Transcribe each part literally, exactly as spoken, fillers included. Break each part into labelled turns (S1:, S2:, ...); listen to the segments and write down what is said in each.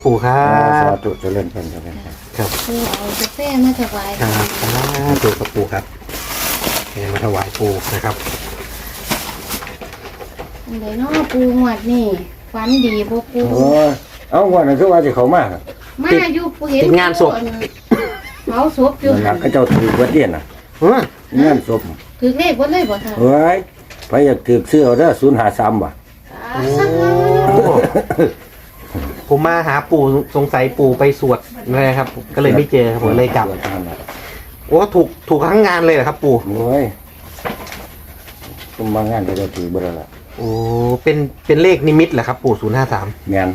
S1: ปู่ครั
S2: อ่าสา
S1: บ
S2: ธุเจริญพรเจริญพร
S1: ครับ
S3: ปูเอากาแฟมาถวาย
S1: ครับสาธุกับปู่ครับแห่มาถวายปู่นะครับ
S3: อันใดเนาะปูหวดนี่ฝันดีบ่ปู
S2: โอ้ยเอาวันนั้นคือว่าจะเขามาก
S3: มาอยู่ปูเห็น
S1: ติดงานศพ
S3: เผาศพอยู่
S2: นั่นล่ะเขาเจ้าถือเบิดเดียนน่ะ
S1: เออง
S2: านศพ
S3: ถือเลขบ่เลยบ่ท่าน
S2: เฮ้ยไปอยากถือซื้อเอาเด้อศูนย์หาสามว่ะ
S1: โอ้ผมมาหาปู่สงสัยปู่ไปสวดอะไรครับ ก็เลยไม่เจอครับผมเลยจับโอ้ถูกถูกทั้งงานเลยเหรอครับ ปู่
S2: โอ้ยคุมบางงานเขาเจ้าถือเบิดแล้วล่ะ
S1: โอ้เป็นเป็นเลขนิมิตเหรอครับ ปู่ศูนย์ห้าสาม
S2: แม่น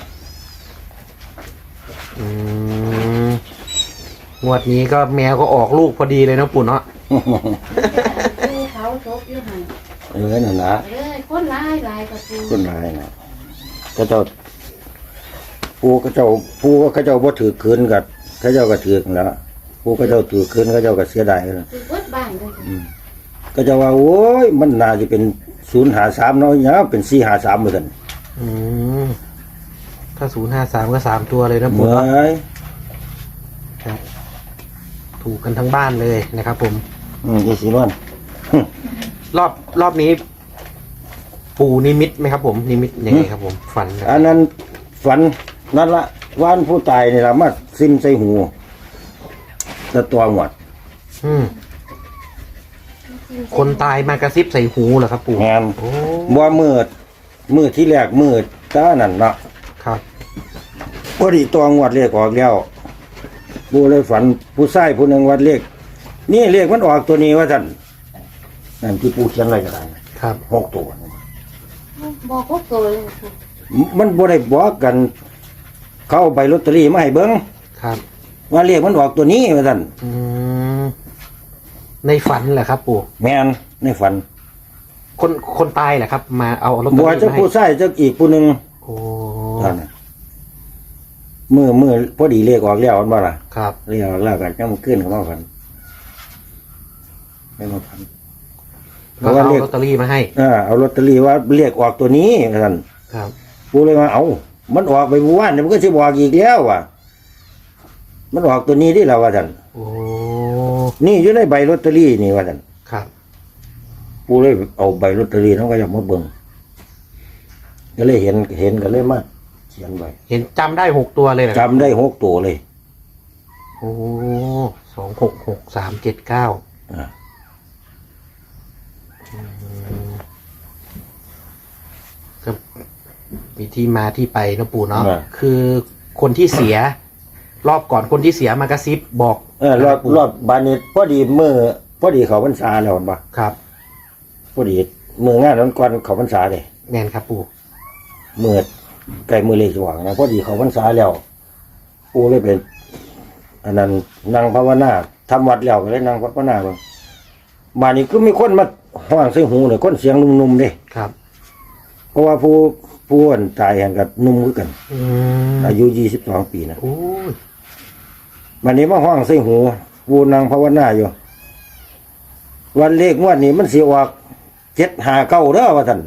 S1: อืมงวดนี้ก็แมวก็ออกลูกพอดีเลยนะปู่เนาะ
S3: ปูเผาศพอยู่หั่น
S2: เออนั่นนะ
S3: เอ้ยคนหลายหลายกับปู
S2: คนร้ายนะเขาเจ้าปูเขาเจ้าปูเขาเจ้าบ่ถือคืนกับเขาเจ้าก็ถือกันแล้วปูเขาเจ้าถือคืนเขาเจ้าก็เสียดายแล้ว
S3: ถือเบิดบ้านเลย
S2: ก็จะว่าโอ้ยมันน่าจะเป็นศูนย์หาสามเนาะเนี่ยเป็นสี่หาสามเหมือนกัน
S1: อืมถ้าศูนย์ห้าสามก็สามตัวเลยนะ
S2: เห
S1: ปู่
S2: มือ
S1: เนาะ
S2: ย
S1: ครับ ถูกกันทั้งบ้านเลยนะครับ ผม
S2: อืมยี่สิบวัน
S1: รอบรอบนี้ ปู่นิมิตไหมครับ ผมนิมิตยังไงครับ ผมฝัน
S2: อันนั้นฝันนั่นละวานผู้ตายนี่ละมาซิมใส่หูตะตัวหมด
S1: อืมคนตายมากระซิบใส่หูเหรอครับ ปู่
S2: งาน
S1: โอ้
S2: บ่มืดมืดที่แรกมืดตานั่นเนาะ
S1: ครับ
S2: พอดีตัวงวดเลขออกแล้วปูเลยฝันผู้ชายผู้หนึ่งวัดเลขนี่เลขมันออกตัวนี้ว่าท่านนั่นที่ปูเขียนอะไรก็ได้
S1: ครับ
S2: หกตัว
S3: บอกพวกตัวเลยปู
S2: มันบ่ได้บอกกัน เขาเอาใบลอตเตอรี่มาให้เบิ้ง
S1: ครับ
S2: ว่าเลขมันออกตัวนี้ว่าท่าน
S1: อืมในฝันเหรอครับ ปู่
S2: แม่นในฝัน
S1: คนคนตายเหรอครับ มาเอาลอตเตอ
S2: บัว
S1: รี่
S2: จะ
S1: มาให้
S2: ผู้ชายจะอีกผู้หนึ่ง
S1: โอ้
S2: ท่านน่ะมือมือพอดีเลขออกแล้วมันบ่ล่ะ
S1: ครับ
S2: เลขออกแล้วกันยังมันขึ้นเข้ามาฝันไม่มาฝันเพ
S1: ก็
S2: ราะว่า
S1: เอา
S2: เลข
S1: ลอตเตอรี่มาให้
S2: อ่าเอาลอตเตอรี่ว่าเลขออกตัวนี้ท่าน
S1: ครับ
S2: ปูเลยว่าเอามันออกไปเมื่อวานเนี่ยมันก็สิบอกอีกแล้วว่ะมันออกตัวนี้ที่เราว่าท่าน
S1: โอ้
S2: นี่อยู่ในใบลอตเตอรี่นี่ว่าท่าน
S1: ครับ
S2: ปูเลยเอาใบลอตเตอรี่น้องก็อยากมาเบิ่งก็เลยเห็นเห็นก็เลยมาเขียนไว้
S1: เห็นจำได้หกตัวเลยเหรอครับ
S2: จำได้หกตัวเลย
S1: โอ้สองหกหกสามเจ็ดเก้า
S2: อ่า
S1: ก็มีที่มาที่ไปนะปู่เนาะคือคนที่เสีย รอบก่อนคนที่เสียมากระซิบบอก
S2: เออรอบรอบบานนี้พอดีมือพอดีเขาพรรษาแล้วเห็นปะ
S1: ครับ
S2: พอดีมืองานนั้นก่อนเขาพรรษาเลย
S1: แน่นครับปู่
S2: มือไก่มือเล็กสว่างนะพอดีเขาพรรษาแล้วปูเลยเป็น อันนั้นนั่งภาวนาทำวัดแล้วก็เลยนั่งภาวนาเบิ่งบ้านนี้ก็มีคนมาห้องใส่หูเลยคนเสียงนุ่มๆเด้
S1: ครับ
S2: เพราะว่าผู้ผู้อ่อนตายแห่งกับนุ่มคือกัน
S1: อืม
S2: อายุยี่สิบสองปีนะ
S1: โอ้ย
S2: วันนี้มาห้องใส่หูปูนางภาวนาอยู่ วันเลขงวดนี้มันสิออกเจ็ดหาเก้าเด้อว่าท่าน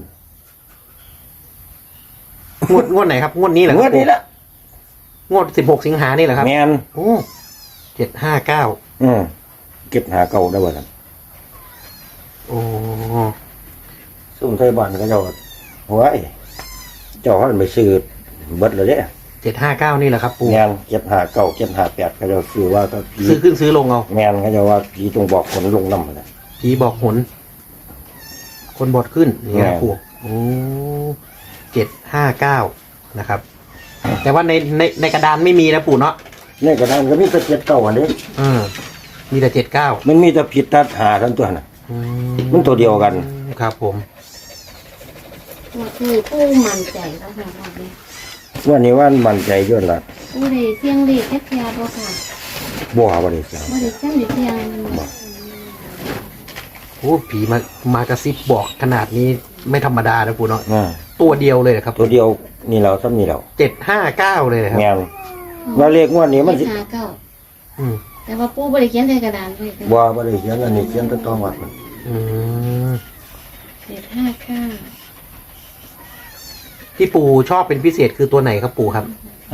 S1: งวดงวดไหนครับงวดนี้เหรอค
S2: ง
S1: รั
S2: ว
S1: บ
S2: ดนี้ละ
S1: งวดสิบหกสิงหานี่เหรอครับ
S2: แมน
S1: โอ้เจ็ดห้าเก้า
S2: อืมเก็บหาเก้าได้อว่าท่าน
S1: โอ้
S2: ซุ่มไทยบ้านก็เจ้าหัวไอ้เจ้าหันไปซื้อเบิดเลยเด้
S1: เจ็ดห้าเก้านี่เหรอครับปู่
S2: แมนเก็บหาเก้าเก็บหาแปดก็เจ้าซื้อว่าก็ผี
S1: ซื้อขึ้นซื้อลงเอา
S2: แมนก็เจ้าว่าผีจงบอกคนลงน้ำเลย
S1: ผีบอกหน คนบอดขึ้นนี่นะปู่โอ้เจ็ดห้าเก้านะครับ แต่ว่าในในในกระดานไม่มีนะปู่เนาะ
S2: นี่กระดานก็มีแต่เจ็ดเก้าอันนี้
S1: เออมีแต่เจ็ดเก้า
S2: มันมีแต่ผิดตัดหาทั้งตัวน่ะ มันตัวเดียวกัน
S1: ครับผม
S3: ว่าคือปูมั่นใจแล้วค่ะว่าเนี่ย
S2: วันนี้ว่ามันใจเยอะละ
S3: ปูได้เสียงเลขแค่แค่บ่ค่ะ
S2: บัวบริสุทธิ์
S3: บ่ได้เสียงเลขเสียง
S1: โอ้ผีมามากระซิบบอกขนาดนี้ไม่ธรรมดานะปู่เนาะ
S2: อ่า
S1: ตัวเดียวเลยเหรอครับ
S2: ตัวเดียวนี่เราซ้ำนี่เรา
S1: เจ็ดห้าเก้าเลยนะครับ
S2: แมวว่าเลขงวดนี้มันสิ
S3: หาเก้า
S1: อืม
S3: แต่ว่าปูบ่ได้เขียนใส่กระดานไว้ค่ะ
S2: บัวบริสุทธิ์อันนี้เขียนต้นตองวัดมัน
S1: อืม
S3: เจ็ดห้าเก้า
S1: ที่ปู่ชอบเป็นพิเศษคือตัวไหนครับปู่ครับ
S2: ฮะ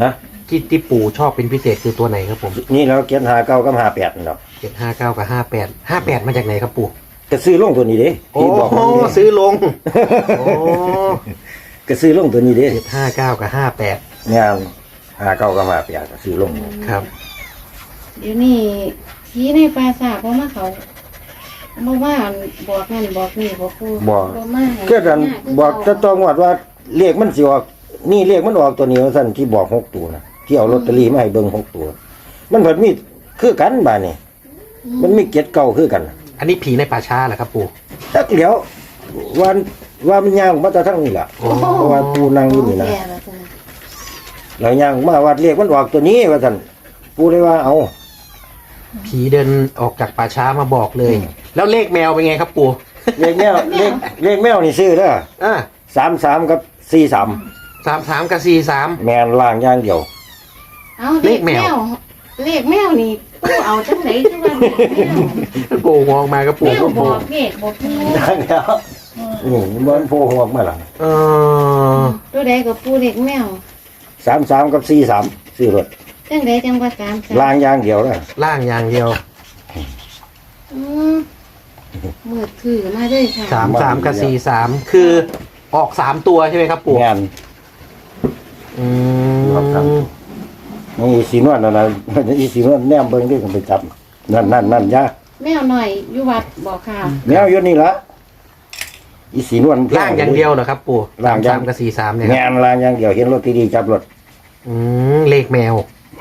S1: ที่ที่ปู่ชอบเป็นพิเศษคือตัวไหนครับผม
S2: นี่แล้วเกียนหาเก้ากับหาแปดนั่นหรอก
S1: เจ็ดห้าเก้ากับห้าแปดห้าแปดมาจากไหนครับปู่
S2: ก็ซื้อลงตัวนี้เด้
S1: โอ้
S2: ที่บอก
S1: โห
S2: ว่า
S1: ซื้อลงโอ้
S2: ก็ซื้อลงตัวนี้เด้
S1: เจ็ดห้าเก้ากับห้าแปด
S2: งานหาเก้ากับหาแปดก็ซื้อลง
S1: ครับ
S3: เดี๋ยวนี้ผีในปราสาทเพราะมาเขาเพราะว่าบอกนั่นบอกนี่บอกกู
S2: บอก
S3: มาให้
S2: ก็ดันบอกจะต้องวัดว่าเลขมันสิออกนี่เลขมันออกตัวนี้ว่าซั่นที่บอกหกตัวนะที่เอาลอตเตอรี่มาให้เบิ่งหกตัว มันเพิ่นมีคือกันบาดนี่มันมีเกียรติเก่าคือกัน
S1: อันนี้ผีในป่าช้าเหรอครับปู่
S2: จักเดี๋ยววันว่ามันย่างมาแต่ทั้งนี้ล่ะ
S1: โอ้
S2: เพราะว่าปูนั่งอยู่นี่นะ
S3: แก่แล้วจ้ะ
S2: แล้วย่างมาวัดเลขมันออกตัวนี้ว่าซั่นปูเลยว่าเอา
S1: ผีเดินออกจากป่าช้ามาบอกเลย แล้วเลขแมวเป็นไงครับปู่
S2: เลขแมวเลขเลขแมวนี่ซื้อเด้อ
S1: อ่า
S2: สามสามกับสี่สาม
S1: สามสามกับสี่สาม
S2: แมนล่างอย่างเดียว
S3: เอา
S1: เลขแมว
S3: เลขแมวนี่กูเอาจังไหนจังว่าเลขแมว
S1: ปู่มองมากับ
S3: แม
S1: ปู่
S3: ว
S1: ก็
S3: บ
S1: ปู่
S3: อกเลขบอกกู
S2: อย่างเดียวนี่มันโผล่หัวออกมาหลัง
S1: เออ
S3: ตัวใดกับปูเลขแมว
S2: สามสามกับสี่สามซื้อรถ
S3: จังใดจังว่าสามสาม
S2: ล่างอย่างเดียวนะ
S1: ล่างอย่างเดียว
S3: อืมมืดคือมาเลยค่ะ
S1: สามสามกับสี่สามคือออกสามตัวใช่ไหมครับปู่
S2: งาน
S1: อื
S2: ออกสาม
S1: ม
S2: ตัว นี่สีนวลนั่นนะอีสีนวลแนมเบิ้งด้วยกันไปจับนั่นนั่นนั่นยา
S3: แมวหน่อยอยู่วัดบอกค่ะ
S2: แมวอยู่นี่ละอีสีนวล
S1: ล่างอย่างเดียวเหรอครับปู่
S2: ล่า
S1: สาง ม
S2: อย่า
S1: สาง มกับสี่สามเนี่ยครับ
S2: งานล่างอย่างเดียวเห็นรถดีๆจับรถ
S1: อืมเลขแมว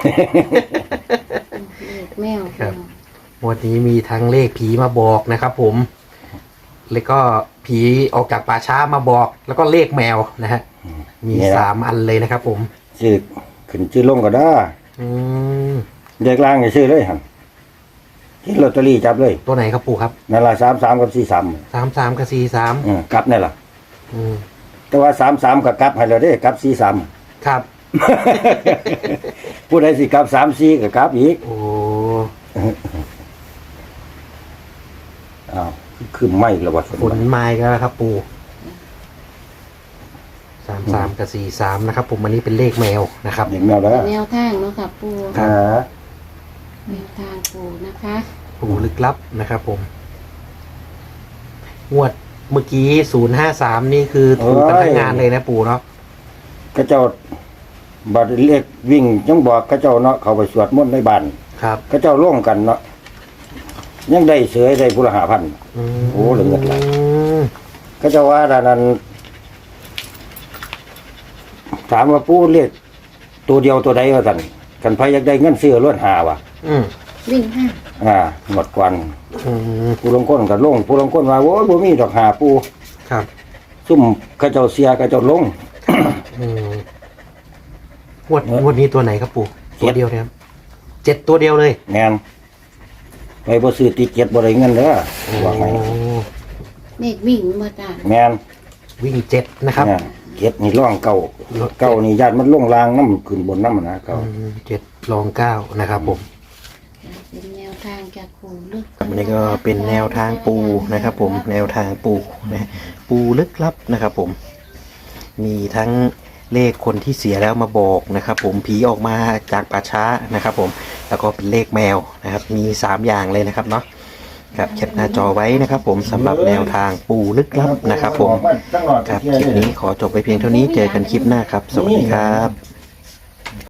S3: เลขแมว
S1: ครับ วันนี้มีทั้งเลขผีมาบอกนะครับผม แล้วก็ผีออกจากป่าช้ามาบอก แล้วก็เลขแมวนะฮะ มีสามอันเลยนะครับผม
S2: ชื่อขึ้นชื่อลงก็ได้
S1: อืม
S2: เด็กล่างอย่าชื่อเลยครับเห็นลอตเตอรี่จับเลย
S1: ตัวไหนครับปู่ครับ
S2: นั่นละสามสามกับสี่สาม
S1: สามสามกับสี่สาม
S2: กลับนี่ล่ะ
S1: อืม
S2: แต่ว่าสามสามกับกลับให้เราได้กลับสี่สาม
S1: ครับ
S2: ผู้ใดสิกลับสามสี่กับกลับอีก
S1: โอ้
S2: อ้าวคือไม่ระวัด
S1: ฝนไม้กันแล้วครับปู่สามสามกับสี่สามนะครับ ผมอันนี้เป็นเลขแมวนะครับ
S2: เห็นแมวแล้ว
S3: แนวทางเนาะค่ะปู
S2: อ่า
S3: แนวทางปูนะคะ
S1: ปู่ลึกลับนะครับ ผมงวดเมื่อกี้ศูนย์ห้าสามนี่คือถูกกันทั้งงานเลยนะปู่เนาะ
S2: กระเจ้าบัดเรียกวิ่งยังบอกกระเจ้าเนาะเขาไปสวดมนต์ในบ้าน
S1: ครับ
S2: กระเจ้าร่วมกันเนาะยังได้เสือได้พุละหาพัน
S1: ม
S2: โอ้เหลือเงินหลาย กระเจ้าว่าด้านนั้นถามว่าปูเรียกตัวเดียวตัวใดว่าสั่นกันพาอยากได้เงินซื้อรถหาวะ
S1: อืม
S3: วิ่งห้า
S2: อ่าหมดกวัน
S1: อืม
S2: ผู้ลงก้นกับลงผู้ลงก้นว่าโอ้ยบ่มีดอกหาปู
S1: ครับ
S2: ซุ่มกระเจ้าเสียกระเจ้าลง
S1: อืมงวดงวดนี้ตัวไหนครับปู่
S2: เจ็ด
S1: ตัวเดียวนะครับเจ็ดตัวเดียวเลย
S2: แมนไปบ่ซื้อติเก็ตบ่ได้เงินเด้อว่าไง
S1: โอ้
S3: เลขวิ่งมาจ้า
S2: แมน
S1: วิ่งเจ็ดนะครับ
S2: เนี่ยเก็ตนี่ร่องเก่าเก่านี่ญาติมันลงรางน้ำขึ้นบนน้ำนะเก่า
S1: อืมเจ็ดรองเก้านะครับผม
S3: เป็นแนวทางจากปูลึก
S1: อันนี้ก็เป็นแนวทางปูนะครับ ผมแนวทางปูนะปูลึกลับนะครับ ผม มีทั้งเลขคนที่เสียแล้วมาบอกนะครับ ผมผีออกมาจากป่าช้านะครับ ผมแล้วก็เป็นเลขแมวนะครับ มีสามอย่างเลยนะครับเนาะครับแคปหน้าจอไว้นะครับ ผมสำหรับแนวทางปูลึกลับนะครับ ผมครับคลิปนี้ขอจบไปเพียงเท่านี้เจอกันคลิปหน้าครับ สวัสดีครับ